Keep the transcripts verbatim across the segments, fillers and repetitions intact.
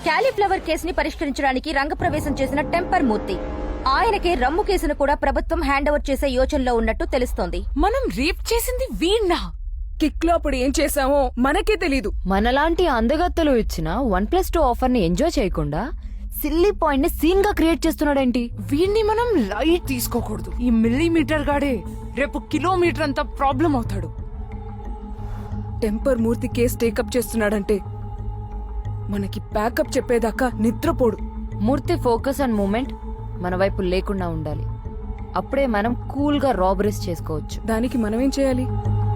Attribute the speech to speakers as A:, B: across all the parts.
A: Cauliflower కేసుని పరిష్కరించడానికి రంగప్రవేశం చేసిన టెంపర్ మూర్తి. ఆయనకే రమ్ము కేసును కూడా ప్రభుత్వం హ్యాండ్ ఓవర్ చేసే యోచనలో ఉన్నట్టు తెలుస్తోంది.
B: మనం రేప్ చేసింది వీణ్ణా? కిక్ లో అప్పుడు ఏం చేసామో మనకే తెలీదు.
C: మనలాంటి అందగత్తలు ఇచ్చిన వన్ ప్లస్ టూ ఆఫర్ ని ఎంజాయ్ చేయకుండా సిల్లీ పాయింట్ ని సీన్ గా క్రియేట్ చేస్తున్నాడేంటి?
B: వీణ్ణి మనం లైట్ తీసుకోకూడదు. ఈ మిల్లీమీటర్ గాడే రేపు కిలోమీటర్ అంతా ప్రాబ్లం అవుతాడు. టెంపర్ మూర్తి కేసు టేకప్ చేస్తున్నాడంటే మనకి ప్యాకప్ చెప్పేదాకా నిద్రపోడు.
C: మూర్తి ఫోకస్ అండ్ మూమెంట్ మన వైపు లేకుండా ఉండాలి. అప్పుడే మనం కూల్ గా రాబరీస్ చేసుకోవచ్చు.
B: దానికి మనమేం చేయాలి?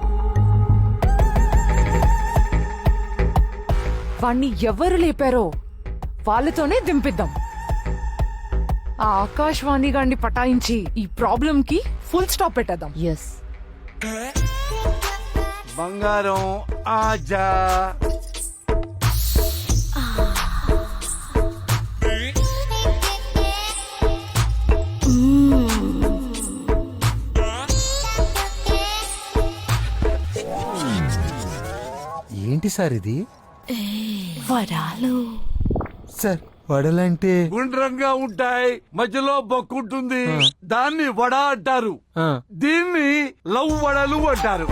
B: వాణ్ణి ఎవరు లేపారో వాళ్ళతోనే దింపిద్దాం. ఆ ఆకాశవాణి గాన్ని పటాయించి ఈ ప్రాబ్లం కి ఫుల్ స్టాప్ పెట్టేద్దాం.
C: ఎస్.
D: బంగారం ఆజా.
E: ఏంటి సార్ ఇది?
B: వరాలు
E: సార్ వడలంటే
D: గుండ్రంగా ఉంటాయి, మధ్యలో బొక్కుంటుంది, దాన్ని వడ అంటారు. దీన్ని లవ్ వడలు అంటారు.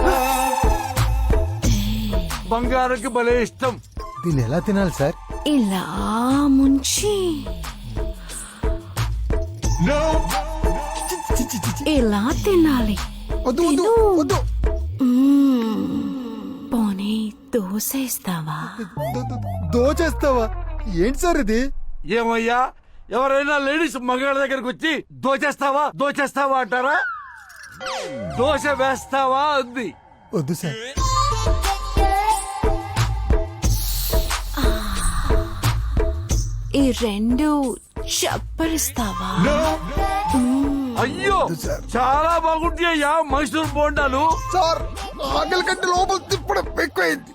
D: బంగారంకి భలే ఇష్టం.
E: దీన్ని ఎలా తినాలి సార్?
B: ఇలా ముంచి ఇలా తినాలి.
E: వద్దు వద్దు వద్దు.
B: పోనీ దోశ ఇస్తావా?
E: దోచేస్తావా? ఏంటి సార్ ఇది?
D: ఏమయ్యా, ఎవరైనా లేడీస్ మగాళ్ళ దగ్గరకు వచ్చి దోచేస్తావా దోచేస్తావా అంటారా? దోశ వేస్తావా అంది.
E: వద్దు సార్.
B: ఈ రెండు చప్పరిస్తావా?
D: అయ్యో, చాలా బాగుంటాయ్యా మైసూర్ బోండాలు.
E: సార్ ఆకలి కంటే లోపల తిప్పడం ఎక్కువైంది.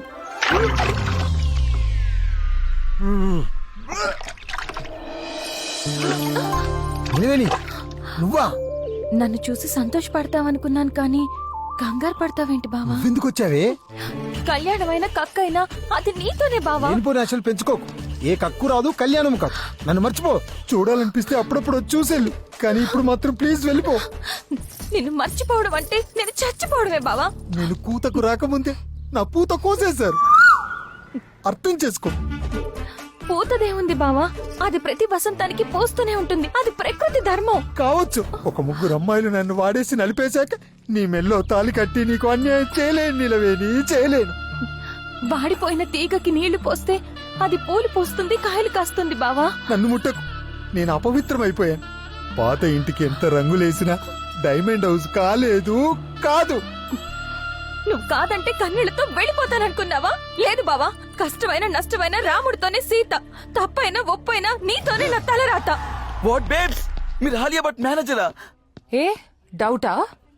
E: నువ్వా?
A: నన్ను చూసి సంతోషపడతావనుకున్నాను కానీ కంగారు పడతావేంటి బావా?
E: ఎందుకు వచ్చావే?
A: కళ్యాణమైన కక్కైనా అది నీతోనే బావా.
E: లేనిపోని ఆశలు పెంచుకోకు. ఏ కక్కు రాదు, కళ్యాణం కాదు. నన్ను మర్చిపో. చూడాలనిపిస్తే అప్పుడప్పుడు చూసేళ్ళు, కానీ ఇప్పుడు మాత్రం ప్లీజ్ వెళ్ళిపో.
A: నిన్ను మర్చిపోవడం అంటే నేను చచ్చిపోవడమే బావా.
E: నేను కూతకు రాకముందే నా పూత కోసేశారు. అర్థం చేసుకో.
A: పూతదేముంది బావా, అది ప్రతి వసంతానికి పోస్తూనే ఉంటుంది. అది ప్రకృతి ధర్మం.
E: కావచ్చు. ఒక ముగ్గురు అమ్మాయిలు నన్ను వాడేసి నలిపేశాక నీ మెల్లో తాలి కట్టి నీకు అన్యాయం చేయలేను నిలవేని, చేయలేను.
A: వాడిపోయిన తీగకి నీళ్లు పోస్తే అది పూలు పోస్తుంది, కాయలు కాస్తుంది బావా.
E: నన్ను ముట్టకు. నేను అపవిత్రమైపోయాను. పాత ఇంటికి ఎంత రంగులేసినా డైమండ్ హౌస్ కాలేదు, కాదు.
A: నువ్వు కాదంటే కన్నీళ్లతో వెళ్ళిపోతాననుకున్నావా? లేదు బావా, కష్టమైన నష్టమైన రాముడితోనే సీత, తప్పైనా ఒప్పైనా నీతోనే నా తలరాత.
F: వాట్ బేబ్స్, మీరు హాలియా బట్ మేనేజరా?
B: ఏ డౌటా?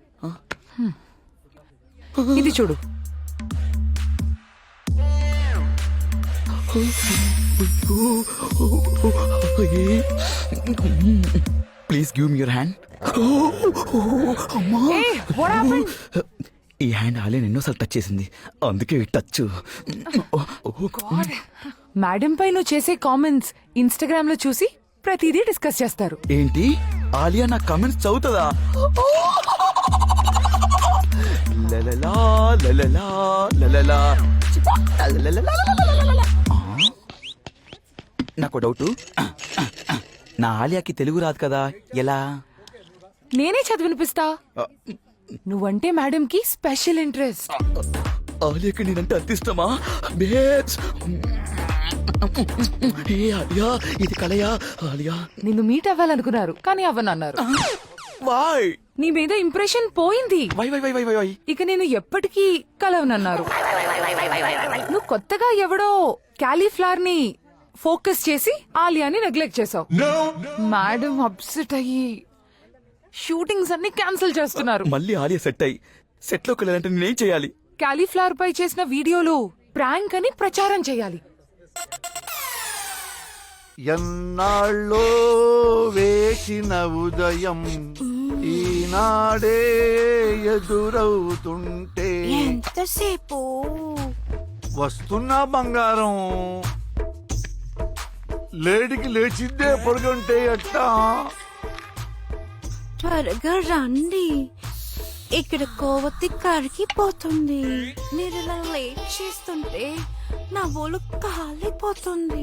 B: ఇది చూడు.
F: Please give me your hand. ఈ హ్యాండ్ హాలియా ఎన్నోసార్లు టచ్ చేసింది, అందుకే టచ్.
B: మేడం పై నువ్వు చేసే కామెంట్స్ ఇన్స్టాగ్రామ్ లో చూసి ప్రతిదీ డిస్కస్ చేస్తారు.
F: ఏంటి, ఆలియా నా కామెంట్స్ చదువుతుందా? లలలా, లలలా, లలలా. నాకు డౌట్, నా ఆలియాకి తెలుగు రాదు కదా, ఎలా?
B: నేనే చదివినిపిస్తా. నువ్వంటే మేడం కి స్పెషల్ ఇంట్రెస్ట్.
F: ఆలియాకి నేనంటే అంత ఇష్టమా? బేబ్స్, ఏ ఆలియా, ఇది కలయా? ఆలియా
B: నిన్ను మీట్ అవ్వాలనుకున్నారు కానీ అవ్వనన్నారు.
F: వై?
B: నీ మీద ఇంప్రెషన్ పోయింది.
F: Why why why why why why
B: ఇక నేను ఎప్పటికీ కలవనన్నారు. నువ్వు కొత్తగా ఎవడో క్యాలీఫ్లవర్ ని ఫోకస్ చేసి ఆలియాని నెగ్లెక్ట్ చేసావు. మేడం అప్సెట్ అయ్యి షూటింగ్స్ అన్ని క్యాన్సిల్ చేస్తున్నారు.
F: మళ్ళీ ఆలియా సెట్ అయ్యి సెట్ లోకి వెళ్ళాలంటే నేనేం చేయాలి?
B: క్యాలీఫ్లవర్ పై చేసిన వీడియోలు ప్రాంక్ అని ప్రచారం చేయాలి.
D: ఎన్నాళ్ళో వేసిన ఉదయం ఈనాడే ఎదురవుతుంటే
B: ఎంతసేపు
D: వస్తున్నా బంగారం. లేడికి లేచిందే పడుకుంటే ఎట్టా?
G: త్వరగా రండి, ఇక్కడ కోవతి కరిగిపోతుంది. మీరు ఇలా లేట్ చేస్తుంటే నా ఒళ్ళు కాలిపోతుంది.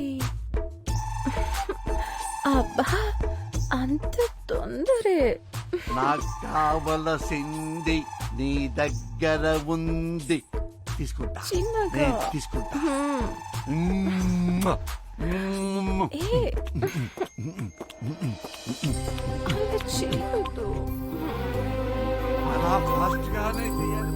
G: అబ్బా, అంత తొందరే.
D: నాకు కావలసింది నీ దగ్గర ఉంది. తీసుకుంటా
G: చిన్నగా.
D: నేను తీసుకుంటా. మ్మ్. మ్మ్.
G: ఏ, అలా చేయొద్దు.
D: అలా ఫాస్ట్ గానే చేయాలి.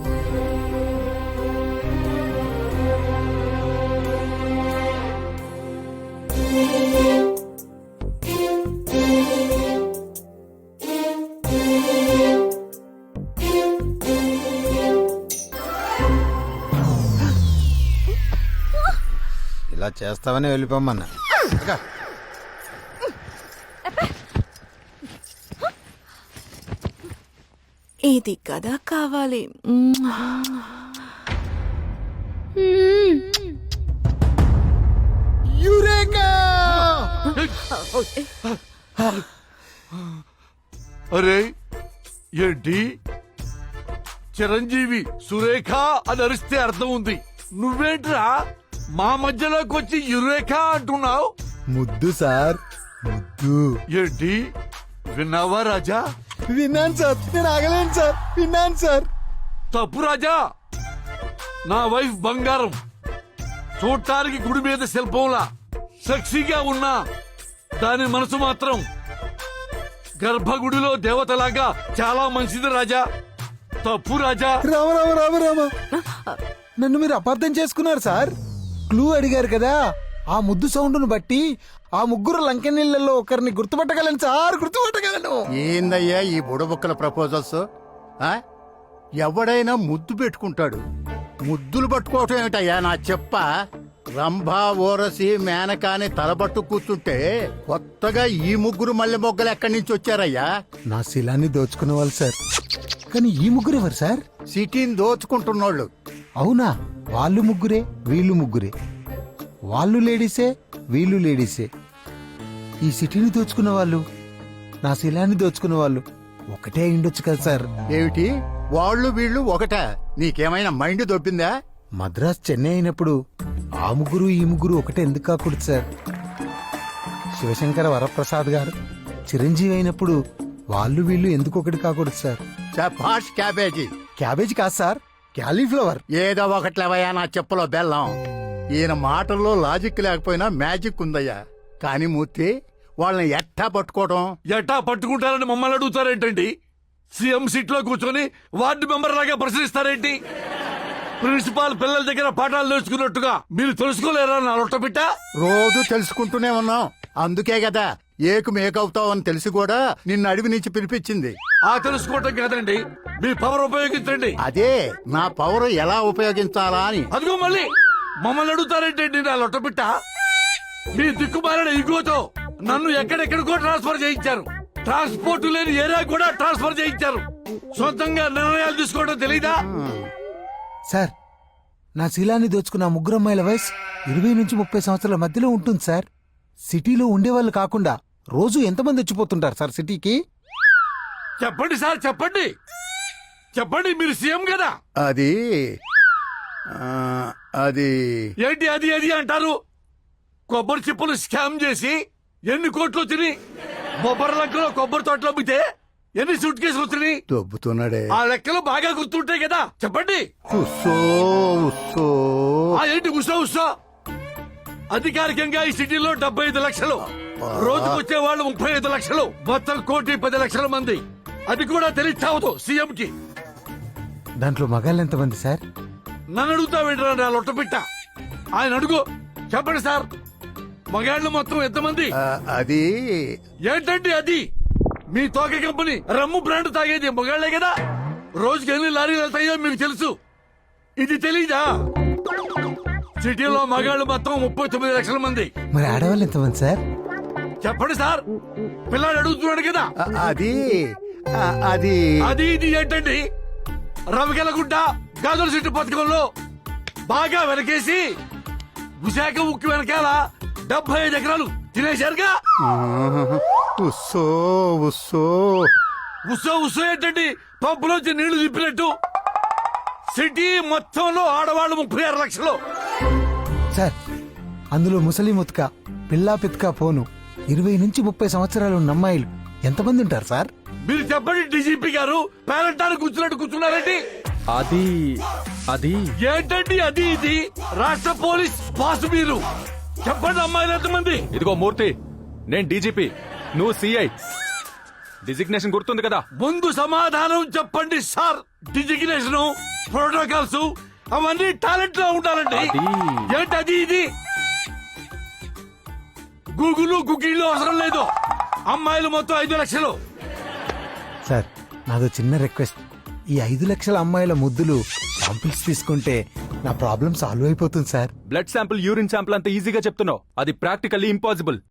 E: ఇలా చేస్తావని వెళ్ళిపోమన్నా.
G: ఇది కదా కావాలి.
D: అరే ఏంటి చిరంజీవి సురేఖ అని అరిస్తే అర్థం ఉంది. నువ్వేంట్రా మా మధ్యలోకి వచ్చి యురేఖ అంటున్నావు?
E: ముద్దు సార్, ముద్దు.
D: ఏంటి విన్నావా రాజా?
E: విన్నాను సార్, నేను ఆగలేను సార్, విన్నాను సార్.
D: తప్పు రాజా, నా వైఫ్ బంగారం. చూడటానికి గుడి మీద శిల్పంలా సెక్సీగా ఉన్నా దాని మనసు మాత్రం గర్భగుడిలో దేవతలాగా చాలా మంచిది రాజా. తప్పు రాజా.
E: రామ రామ రామ రామ, నన్ను మీరు అపార్థం చేసుకున్నారు సార్. క్లూ అడిగారు కదా, ఆ ముద్దు సౌండ్ను బట్టి ఆ ముగ్గురు లంకెనీళ్ళలో ఒకరిని గుర్తుపట్టగలను సార్, గుర్తుపట్టగలను.
H: ఏందయ్యా ఈ బుడబుక్కల ప్రపోజల్స్? ఆ? ఎవడైనా ముద్దు పెట్టుకుంటాడు, ముద్దులు పట్టుకోవటం ఏమిటయ్యా నా చెప్ప? రంభా ఓరసి మేనకాని తలబట్టు కూర్చుంటే కొత్తగా ఈ ముగ్గురు మల్లె మొగ్గలు ఎక్కడి నుంచి వచ్చారయ్యా?
E: నా శిలాన్ని దోచుకునే వాళ్ళు సార్. కానీ ఈ ముగ్గురు ఎవరు సార్?
H: సిటీని దోచుకుంటున్నోళ్ళు.
E: అవునా, వాళ్ళు ముగ్గురే వీళ్ళు ముగ్గురే. వాళ్ళు లేడీసే వీళ్ళు లేడీసే. ఈ సిటీని దోచుకున్న వాళ్ళు నా శిలాన్ని దోచుకున్న వాళ్ళు ఒకటే అయిండొచ్చు కదా సార్.
H: ఏమిటి వాళ్ళు వీళ్ళు ఒకటా? నీకేమైనా మైండ్ దొబ్బిందా?
E: మద్రాస్ చెన్నై అయినప్పుడు ఆ ముగ్గురు ఈ ముగ్గురు ఒకటే ఎందుకు కాకూడదు సార్? శివశంకర వరప్రసాద్ గారు చిరంజీవి అయినప్పుడు వాళ్ళు వీళ్ళు ఎందుకు ఒకటి కాకూడదు సార్?
H: చపాష్ క్యాబేజీ.
E: క్యాబేజ్ కాదు సార్, క్యాలీఫ్లవర్.
H: ఏదో ఒకట్లేవయ్యా నా చెప్పులో బెల్లం. ఈయన మాటల్లో లాజిక్ లేకపోయినా మ్యాజిక్ ఉందయ్యా. కానీ మూర్తి, వాళ్ళని ఎట్టా పట్టుకోవడం?
D: ఎట్టా పట్టుకుంటారని మమ్మల్ని అడుగుతారేంటండి? సీఎం సీట్ లో కూర్చొని వార్డు మెంబర్ లాగా ప్రశ్నిస్తారేంటి? ప్రిన్సిపాల్ పిల్లల దగ్గర పాఠాలు నేర్చుకున్నట్టుగా మీరు తెలుసుకోలేరా నా లొట్టబిట్ట?
H: రోజు తెలుసుకుంటూనే ఉన్నాం, అందుకే కదా ఏకు మేకవుతావు అని తెలిసి కూడా నిన్ను అడవి నుంచి పిలిపించింది.
D: ఆ తెలుసుకోవటం కాదండి, మీ పవర్ ఉపయోగించండి.
H: అదే నా పవర్ ఎలా ఉపయోగించాలా అని.
D: అదిగో మళ్ళీ మమ్మల్ని అడుగుతారేంటండి నా లొట్టబిట్ట? మీ దిక్కుమాలిన ఇగోతో నన్ను ఎక్కడెక్కడికో ట్రాన్స్ఫర్ చేయించారు. ట్రాన్స్పోర్ట్ లేని ఏరియా కూడా ట్రాన్స్ఫర్ చేయించారు. సొంతంగా నిర్ణయాలు తీసుకోవడం తెలీదా?
E: సార్, నా శీలాన్ని దోచుకున్న ఆ ముగ్గురు అమ్మాయిల వయసు ఇరవై నుంచి ముప్పై సంవత్సరాల మధ్యలో ఉంటుంది సార్. సిటీలో ఉండేవాళ్ళు కాకుండా రోజు ఎంతమంది వచ్చిపోతుంటారు సార్ సిటీకి?
D: చెప్పండి సార్, చెప్పండి చెప్పండి, మీరు సీఎం కదా.
H: అది ఆ, అది
D: ఏంటి అది అది అంటారు? కొబ్బరి చిప్పలు స్కామ్ చేసి ఎన్ని కోట్లు తిని బొబ్బరి లెక్కలో కొబ్బరి తోటలో అమ్మితే ఎన్ని సూట్ కేసులు వచ్చినాయి?
H: దొబ్బుతున్నాడే.
D: ఆ లెక్కలు బాగా గుర్తుంటాయి కదా, చెప్పండి.
H: ఉస్సో, ఉస్సో.
D: ఆ ఏంటి ఉషా ఉషా? అధికారికంగా ఈ సిటీలో డెబ్బై ఐదు లక్షలు, రోజుకు వచ్చే వాళ్ళు ముప్పై ఐదు లక్షలు, మొత్తం కోటి పది లక్షల మంది. అది కూడా తెలియచావదు సీఎం కి.
E: దాంట్లో మగాళ్ళు ఎంతమంది సార్?
D: నన్ను అడుగుతా వింటారా నా లొట్టపిట్ట? ఆయన అడుగు, చెప్పండి సార్. మగాళ్ళు మొత్తం ఎంతమంది?
H: ఆ, అది
D: ఏంటండి అది? మీ తోక కంపెనీ రమ్ము బ్రాండ్ తాగేది మగాళ్లే కదా. రోజుకి ఎన్ని లారీలు వెళ్తాయో మీకు తెలుసు, ఇది తెలీదా? సిటీలో మగాళ్ళు మొత్తం ముప్పై తొమ్మిది లక్షల మంది.
E: మరి ఆడవాళ్ళు ఎంతమంది సార్?
D: చెప్పండి సార్, పిల్లాడు అడుగుతున్నాడు కదా.
H: ఆ, అది ఆ, అది
D: అది ఇది ఏంటండి? రవికెలగుడ్డ గాజుల సిట్టు పథకంలో బాగా వెనకేసి విశాఖ ఉక్కు వెనకాల డెబ్బై ఐదు ఎకరాలు తినేశారుగా.
H: ఉస్సో ఉస్సో
D: ఉత్సవ ఉత్సవం ఏంటండి, పంపులోంచి నీళ్లు తిప్పినట్టు. సిటీ మొత్తంలో ఆడవాళ్ళు ముప్పై ఆరు లక్షలు.
E: సార్ అందులో ముసలి ముత్క పిల్లా పిత్క పోను ఇరవై నుంచి ముప్పై సంవత్సరాలు ఉన్న అమ్మాయిలు ఎంతమంది ఉంటారు సార్?
D: మీరు చెప్పండి డీజీపీ గారు, పేరంటారు కూర్చున్నట్టు కూర్చున్నారండి.
I: అది అది
D: ఏంటండి అది ఇది? రాష్ట్ర పోలీస్ బాస్ మీరు. చెప్పండి అమ్మాయిలు ఎంతమంది?
I: ఇదిగో మూర్తి, నేను డీజీపీ, నువ్వు సిఐ. డిజిగ్నేషన్ గుర్తుంది కదా?
D: ముందు సమాధానం చెప్పండి సార్. డిజిగ్నేషన్, ప్రోటోకాల్స్ అవన్నీ టాలెంట్ లో ఉండాలండి.
I: అది-
D: ఏంటి అది ఇది? గూగుల్ గుగ్గిళ్ళు అవసరం లేదు. అమ్మాయిలు మొత్తం ఐదు లక్షలు.
E: సార్ నాదో చిన్న రిక్వెస్ట్, ఈ ఐదు లక్షల అమ్మాయిల ముద్దులు శాంపిల్స్ తీసుకుంటే నా ప్రాబ్లం సాల్వ్ అయిపోతుంది sir.
I: Blood sample, urine sample అంత ఈజీగా చెప్తున్నావు, అది ప్రాక్టికల్లీ ఇంపాసిబుల్.